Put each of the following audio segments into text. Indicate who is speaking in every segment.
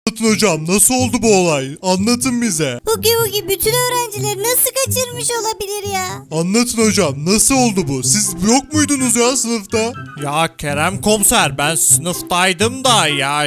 Speaker 1: Anlatın hocam, nasıl oldu bu olay? Anlatın bize.
Speaker 2: Hugi bütün öğrencileri nasıl kaçırmış olabilir ya?
Speaker 1: Anlatın hocam, nasıl oldu bu? Siz yok muydunuz ya sınıfta?
Speaker 3: Ya Kerem komiser, ben sınıftaydım da ya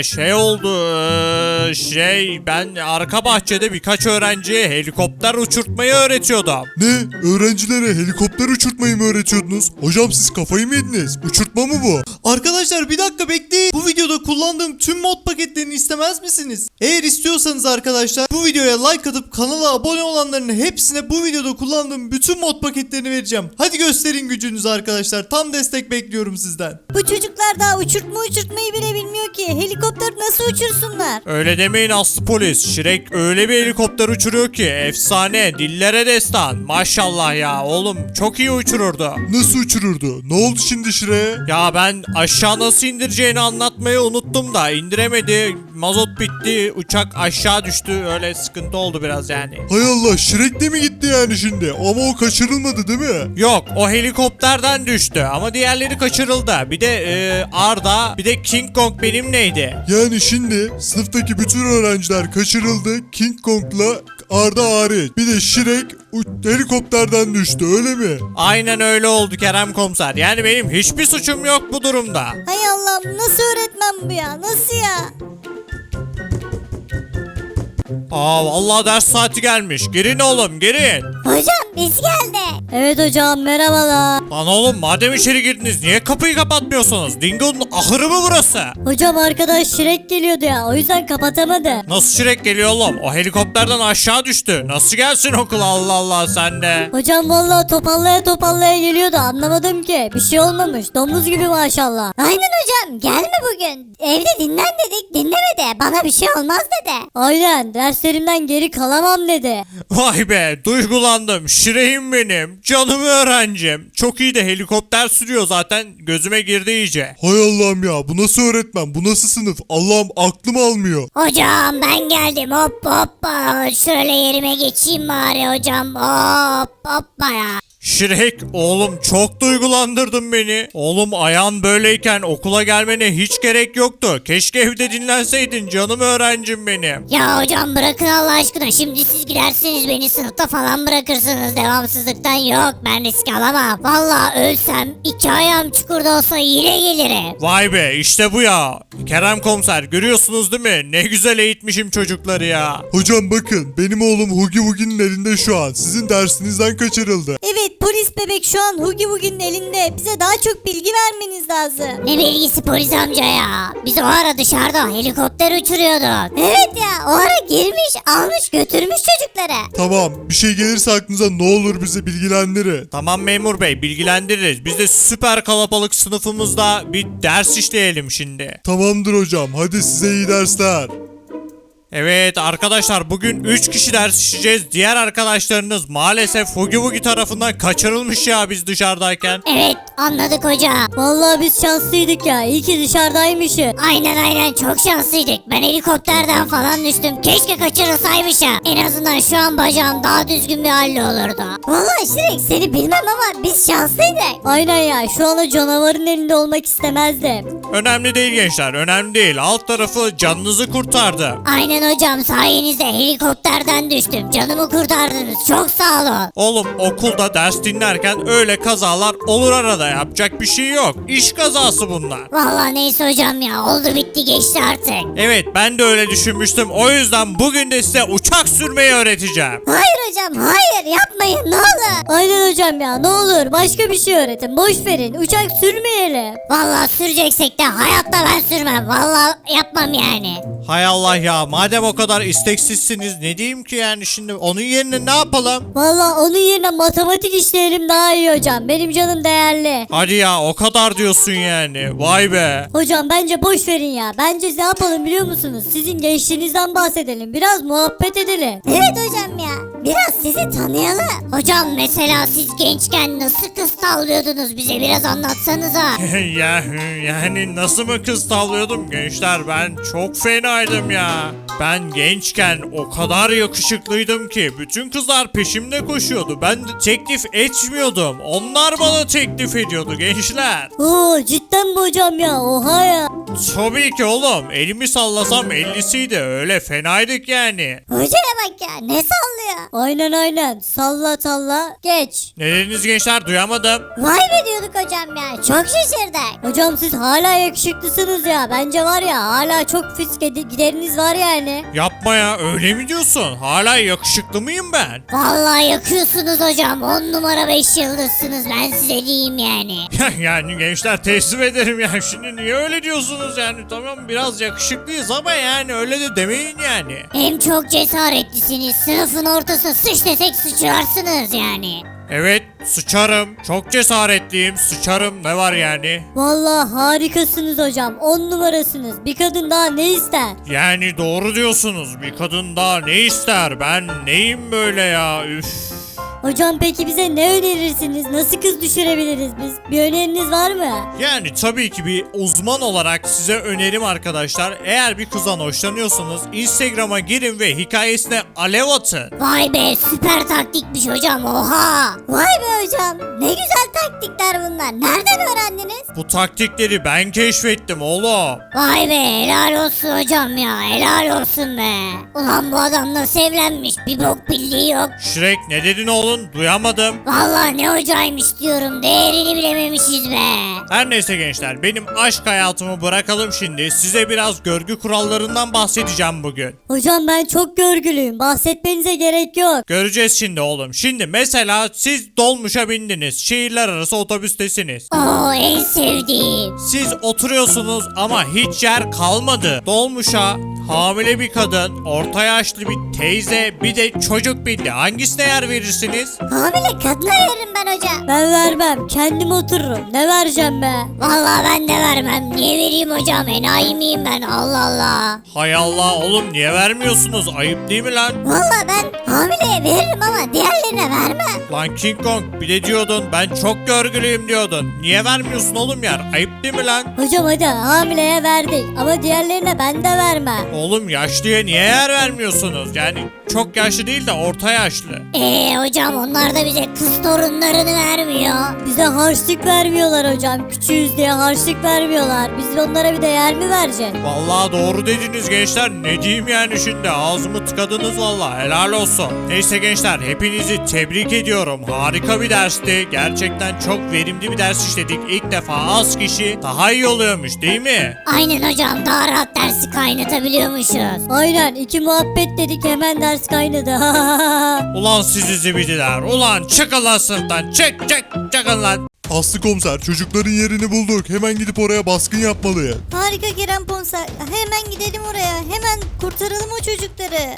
Speaker 3: ben arka bahçede birkaç öğrenciye helikopter uçurtmayı öğretiyordum.
Speaker 1: Ne? Öğrencilere helikopter uçurtmayı mı öğretiyordunuz? Hocam siz kafayı mı yediniz? Uçurtma mı bu?
Speaker 4: Arkadaşlar bir dakika bekleyin. Bu videoda kullandığım tüm mod paketlerini istemez misiniz? Eğer istiyorsanız arkadaşlar bu videoya like atıp kanala abone olanların hepsine bu videoda kullandığım bütün mod paketlerini vereceğim. Hadi gösterin gücünüzü arkadaşlar. Tam destek bekliyorum sizden.
Speaker 2: Bu çocuklar daha uçurtmayı bile bilmiyor ki. Helikopter nasıl uçursunlar?
Speaker 3: Öyle demeyin Aslı polis. Şirek öyle bir helikopter uçuruyor ki efsane, dillere destan. Maşallah ya oğlum, çok iyi uçururdu.
Speaker 1: Nasıl uçururdu? Ne oldu şimdi Şire'ye?
Speaker 3: Ya ben aşağı nasıl indireceğini anlatmayı unuttum da indiremedi. Mazot bitti, uçak aşağı düştü, öyle sıkıntı oldu biraz yani.
Speaker 1: Hay Allah, Şirek de mi gitti yani şimdi? Ama o kaçırılmadı değil mi?
Speaker 3: Yok, o helikopterden düştü ama diğerleri kaçırıldı. Bir de Arda, bir de King Kong benimleydi.
Speaker 1: Yani şimdi sınıftaki bütün öğrenciler kaçırıldı. King Kong'la Arda hariç. Bir de Şirek helikopterden düştü, öyle mi?
Speaker 3: Aynen öyle oldu Kerem komiser. Yani benim hiçbir suçum yok bu durumda.
Speaker 2: Hay Allah'ım, nasıl öğretmen bu ya? Nasıl ya?
Speaker 3: Aa vallahi ders saati gelmiş. Girin oğlum, girin.
Speaker 2: Hocam biz geldik. Evet hocam, merhabalar.
Speaker 3: Lan oğlum, madem içeri girdiniz niye kapıyı kapatmıyorsunuz? Dingo'nun ahırı mı burası?
Speaker 2: Hocam arkadaş Şirek geliyordu ya, o yüzden kapatamadı.
Speaker 3: Nasıl Şirek geliyor oğlum? O helikopterden aşağı düştü. Nasıl gelsin okula, Allah Allah sen de.
Speaker 2: Hocam vallahi topallaya geliyordu, anlamadım ki. Bir şey olmamış, domuz gibi maşallah. Aynen hocam, gelme bugün. Evde dinlen dedik, dinlemedi. Bana bir şey olmaz dedi. Aynen, derslerimden geri kalamam dedi.
Speaker 3: Vay be, duygulandım. Şireğim benim. Canım öğrencim. Çok iyi de helikopter sürüyor zaten. Gözüme girdi iyice.
Speaker 1: Hay Allah'ım ya, bu nasıl öğretmen? Bu nasıl sınıf? Allah'ım, aklım almıyor.
Speaker 2: Hocam ben geldim, hop. Şöyle yerime geçeyim bari hocam, hoppa ya.
Speaker 3: Şirek oğlum, çok duygulandırdın beni. Oğlum ayağın böyleyken okula gelmene hiç gerek yoktu. Keşke evde dinlenseydin canım öğrencim benim.
Speaker 2: Ya hocam bırakın Allah aşkına, şimdi siz gidersiniz beni sınıfta falan bırakırsınız, devamsızlıktan yok, ben risk alamam. Vallahi ölsem 2 ayağım çukurda olsa yine gelirim.
Speaker 3: Vay be, işte bu ya. Kerem komiser, görüyorsunuz değil mi? Ne güzel eğitmişim çocukları ya.
Speaker 1: Hocam bakın, benim oğlum Hugi Wugi'nin elinde şu an. Sizin dersinizden kaçırıldı.
Speaker 2: Evet, polis bebek şu an Hugi Wugi'nin elinde. Bize daha çok bilgi vermeniz lazım. Ne bilgisi polis amca ya? Biz o ara dışarıda helikopter uçuruyorduk. Evet ya, o ara girmiş almış götürmüş çocukları.
Speaker 1: Tamam, bir şey gelirse aklınıza ne olur bize bilgilendirin.
Speaker 3: Tamam memur bey, bilgilendiririz. Biz de süper kalabalık sınıfımızda bir ders işleyelim şimdi.
Speaker 1: Tamamdır hocam, hadi size iyi dersler.
Speaker 3: Evet arkadaşlar, bugün 3 kişi ders işleyeceğiz. Diğer arkadaşlarınız maalesef Hugi Wugi tarafından kaçırılmış ya biz dışarıdayken.
Speaker 2: Evet, anladık hocam. Vallahi biz şanslıydık ya, iyi ki dışarıdaymışız. Aynen çok şanslıydık. Ben helikopterden falan düştüm. Keşke kaçırılsaymışım. En azından şu an bacağım daha düzgün bir halde olurdu. Vallahi Şirek, seni bilmem ama biz şanslıydık. Aynen ya, şu an o canavarın elinde olmak istemezdim.
Speaker 3: Önemli değil gençler, önemli değil. Alt tarafı canınızı kurtardı.
Speaker 2: Aynen hocam, sayenizde helikopterden düştüm. Canımı kurtardınız. Çok sağ olun.
Speaker 3: Oğlum, okulda ders dinlerken öyle kazalar olur arada, yapacak bir şey yok. İş kazası bunlar.
Speaker 2: Vallahi neyse hocam ya, oldu bitti geçti artık.
Speaker 3: Evet, ben de öyle düşünmüştüm. O yüzden bugün de size uçak sürmeyi öğreteceğim.
Speaker 2: Hayır hocam, hayır, yapmayın ne olur. Aynen hocam ya, ne olur başka bir şey öğretin, boş verin, uçak sürmeyelim. Vallahi süreceksek de hayatta ben sürmem, vallahi yapmam yani.
Speaker 3: Hay Allah ya, madem o kadar isteksizsiniz ne diyeyim ki yani, şimdi onun yerine ne yapalım?
Speaker 2: Vallahi onun yerine matematik işleyelim daha iyi hocam, benim canım değerli.
Speaker 3: Hadi ya, o kadar diyorsun yani, vay be.
Speaker 2: Hocam bence boş verin ya, bence ne yapalım biliyor musunuz, sizin gençliğinizden bahsedelim, biraz muhabbet edelim. Evet hocam ya, biraz sizi tanıyalım. Hocam mesela siz gençken nasıl kız tavlıyordunuz, bize biraz anlatsanıza.
Speaker 3: Yani nasıl mı kız tavlıyordum gençler, ben çok fenaydım ya. Ben gençken o kadar yakışıklıydım ki bütün kızlar peşimde koşuyordu. Ben de teklif etmiyordum. Onlar bana teklif ediyordu gençler.
Speaker 2: Oo, cidden mi hocam ya, oha ya.
Speaker 3: Tabii ki oğlum. Elimi sallasam 50'siydi. Öyle fenaydık yani.
Speaker 2: Hocaya bak ya ne sallıyor. Aynen salla salla geç.
Speaker 3: Ne dediniz gençler, duyamadım.
Speaker 2: Vay be diyorduk hocam ya çok şaşırdık. Hocam siz hala yakışıklısınız ya. Bence var ya hala çok fisk gideriniz var yani.
Speaker 3: Yapma ya, öyle mi diyorsun? Hala yakışıklı mıyım ben?
Speaker 2: Vallahi yakıyorsunuz hocam 10 numara 5 yıldızsınız ben size diyeyim yani.
Speaker 3: Yani gençler teslim ederim ya. Şimdi niye öyle diyorsunuz yani? Tamam biraz yakışıklıyız ama yani öyle de demeyin yani.
Speaker 2: Hem çok cesaretlisiniz sınıfın ortasına sıç desek sıçrarsınız yani.
Speaker 3: Evet, sıçarım. Çok cesaretliyim. Sıçarım. Ne var yani?
Speaker 2: Vallahi harikasınız hocam 10 numarasınız bir kadın daha ne ister?
Speaker 3: Yani doğru diyorsunuz. Bir kadın daha ne ister? Ben neyim böyle ya? Üf.
Speaker 2: Hocam peki bize ne önerirsiniz? Nasıl kız düşürebiliriz biz? Bir öneriniz var mı?
Speaker 3: Yani tabii ki bir uzman olarak size önerim arkadaşlar. Eğer bir kızdan hoşlanıyorsanız Instagram'a girin ve hikayesine alev atın.
Speaker 2: Vay be süper taktikmiş hocam oha. Vay be hocam ne güzel taktikler bunlar. Nereden öğrendiniz?
Speaker 3: Bu taktikleri ben keşfettim oğlum.
Speaker 2: Vay be helal olsun hocam ya helal olsun be. Ulan bu adam nasıl evlenmiş bir bok bildiği yok.
Speaker 3: Shrek ne dedin oğlum? Duyamadım.
Speaker 2: Vallahi ne hocaymış diyorum değerini bilememişiz be.
Speaker 3: Her neyse gençler, benim aşk hayatımı bırakalım şimdi. Size biraz görgü kurallarından bahsedeceğim bugün.
Speaker 2: Hocam ben çok görgülüyüm bahsetmenize gerek yok.
Speaker 3: Göreceğiz şimdi oğlum. Şimdi mesela siz dolmuşa bindiniz. Şehirler arası otobüstesiniz.
Speaker 2: Oo en sevdiğim.
Speaker 3: Siz oturuyorsunuz ama hiç yer kalmadı. Dolmuşa hamile bir kadın, orta yaşlı bir teyze, bir de çocuk bindi. Hangisine yer verirsiniz?
Speaker 2: Hamile kadına veririm ben hocam. Ben vermem kendim otururum ne vereceğim be. Vallahi ben de vermem niye vereyim hocam enayi miyim ben Allah Allah.
Speaker 3: Hay Allah oğlum, niye vermiyorsunuz? Ayıp değil mi lan?
Speaker 2: Vallahi ben hamileye veririm ama diğerlerine vermem.
Speaker 3: Lan King Kong, bir de diyordun ben çok görgülüyüm diyordun. Niye vermiyorsun oğlum yer? Ayıp değil mi lan?
Speaker 2: Hocam hadi hamileye verdik ama diğerlerine ben de vermem.
Speaker 3: Oğlum yaşlıya niye yer vermiyorsunuz? Yani çok yaşlı değil de orta yaşlı.
Speaker 2: Hocam onlar da bize kız torunlarını vermiyor. Bize harçlık vermiyorlar hocam. Küçüğüz diye harçlık vermiyorlar. Biz onlara bir de yer mi vereceğiz?
Speaker 3: Vallahi doğru dediniz gençler. Ne diyeyim yani şimdi? Ağzımı tıkadınız vallahi. Helal olsun. Neyse gençler, hepinizi tebrik ediyorum. Harika bir dersti. Gerçekten çok verimli bir ders işledik. İlk defa az kişi daha iyi oluyormuş değil mi?
Speaker 2: Aynen hocam daha rahat dersi kaynatabiliyormuşuz. Aynen iki muhabbet dedik hemen ders kaynadı.
Speaker 3: Ulan sizi zibidiler. Ulan çıkın lan sınıftan. Çıkın lan.
Speaker 1: Aslı komiser çocukların yerini bulduk. Hemen gidip oraya baskın yapmalıyız.
Speaker 2: Harika Kerem Komiser. Hemen gidelim oraya. Hemen kurtaralım o çocukları.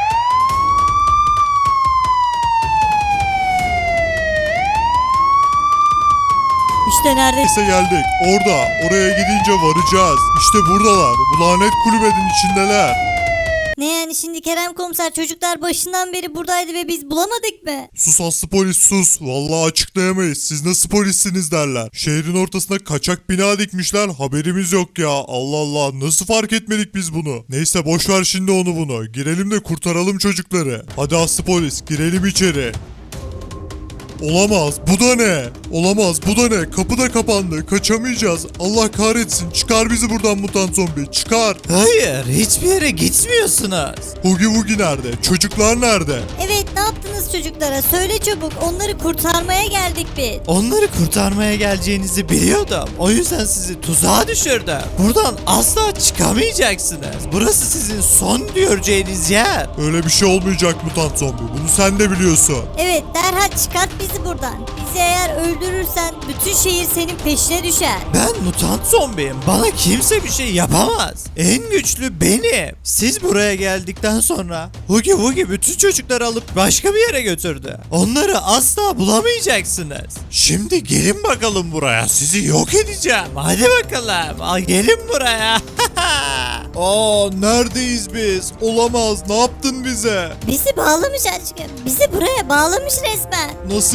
Speaker 2: İşte neredeyse.
Speaker 1: Neyse geldik. Oraya gidince varacağız. İşte buradalar. Bu lanet kulübenin içindeler.
Speaker 2: Ne yani şimdi Kerem Komiser çocuklar başından beri buradaydı ve biz bulamadık mı?
Speaker 1: Sus Aslı polis sus. Vallahi açıklayamayız. Siz nasıl polissiniz derler. Şehrin ortasına kaçak bina dikmişler. Haberimiz yok ya. Allah Allah nasıl fark etmedik biz bunu. Neyse boş ver şimdi onu bunu. Girelim de kurtaralım çocukları. Hadi Aslı polis girelim içeri. Olamaz. Bu da ne? Olamaz. Bu da ne? Kapı da kapandı. Kaçamayacağız. Allah kahretsin. Çıkar bizi buradan mutant zombi. Çıkar.
Speaker 4: Hayır, hiçbir yere gitmiyorsunuz.
Speaker 1: Hugi Wugi nerede? Çocuklar nerede?
Speaker 2: Evet ne yaptınız çocuklara? Söyle çabuk. Onları kurtarmaya geldik biz.
Speaker 4: Onları kurtarmaya geleceğinizi biliyordum. O yüzden sizi tuzağa düşürdüm. Buradan asla çıkamayacaksınız. Burası sizin son göreceğiniz yer.
Speaker 1: Öyle bir şey olmayacak mutant zombi. Bunu sen de biliyorsun.
Speaker 2: Evet derhal çıkart bizi buradan. Bizi eğer öldürürsen bütün şehir senin peşine düşer.
Speaker 4: Ben mutant zombiyim. Bana kimse bir şey yapamaz. En güçlü benim. Siz buraya geldikten sonra Hugi Wugi bütün çocukları alıp başka bir yere götürdü. Onları asla bulamayacaksınız. Şimdi gelin bakalım buraya. Sizi yok edeceğim. Hadi bakalım. Gelin buraya.
Speaker 1: Neredeyiz biz? Olamaz. Ne yaptın bize?
Speaker 2: Bizi bağlamış aşkım. Bizi buraya bağlamış resmen.
Speaker 1: Nasıl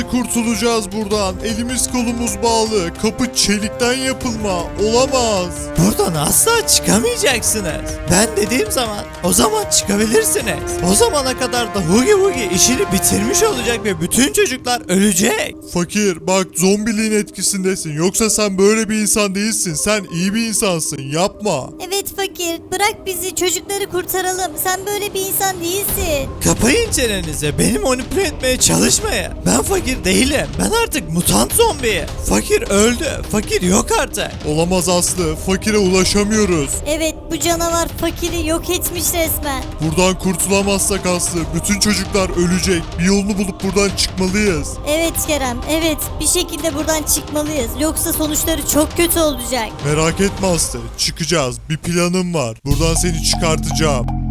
Speaker 1: kurtulacağız buradan? Elimiz kolumuz bağlı. Kapı çelikten yapılma. Olamaz.
Speaker 4: Buradan asla çıkamayacaksınız. Ben dediğim zaman o zaman çıkabilirsiniz. O zamana kadar da Hugi Hugi işini bitirmiş olacak ve bütün çocuklar ölecek.
Speaker 1: Fakir bak zombiliğin etkisindesin. Yoksa sen böyle bir insan değilsin. Sen iyi bir insansın. Yapma.
Speaker 2: Evet fakir, bırak bizi, çocukları kurtaralım. Sen böyle bir insan değilsin.
Speaker 4: Kapayın çenenizi. Beni manipüle etmeye çalışmayın. Ben fakir değilim. Ben artık mutant zombiyim. Fakir öldü. Fakir yok artık.
Speaker 1: Olamaz Aslı. Fakire ulaşamıyoruz.
Speaker 2: Evet, bu canavar fakiri yok etmiş resmen.
Speaker 1: Buradan kurtulamazsak Aslı bütün çocuklar ölecek. Bir yolunu bulup buradan çıkmalıyız.
Speaker 2: Evet Kerem, evet. Bir şekilde buradan çıkmalıyız. Yoksa sonuçları çok kötü olacak.
Speaker 1: Merak etme Aslı. Çıkacağız. Bir planım var. Buradan seni çıkartacağım.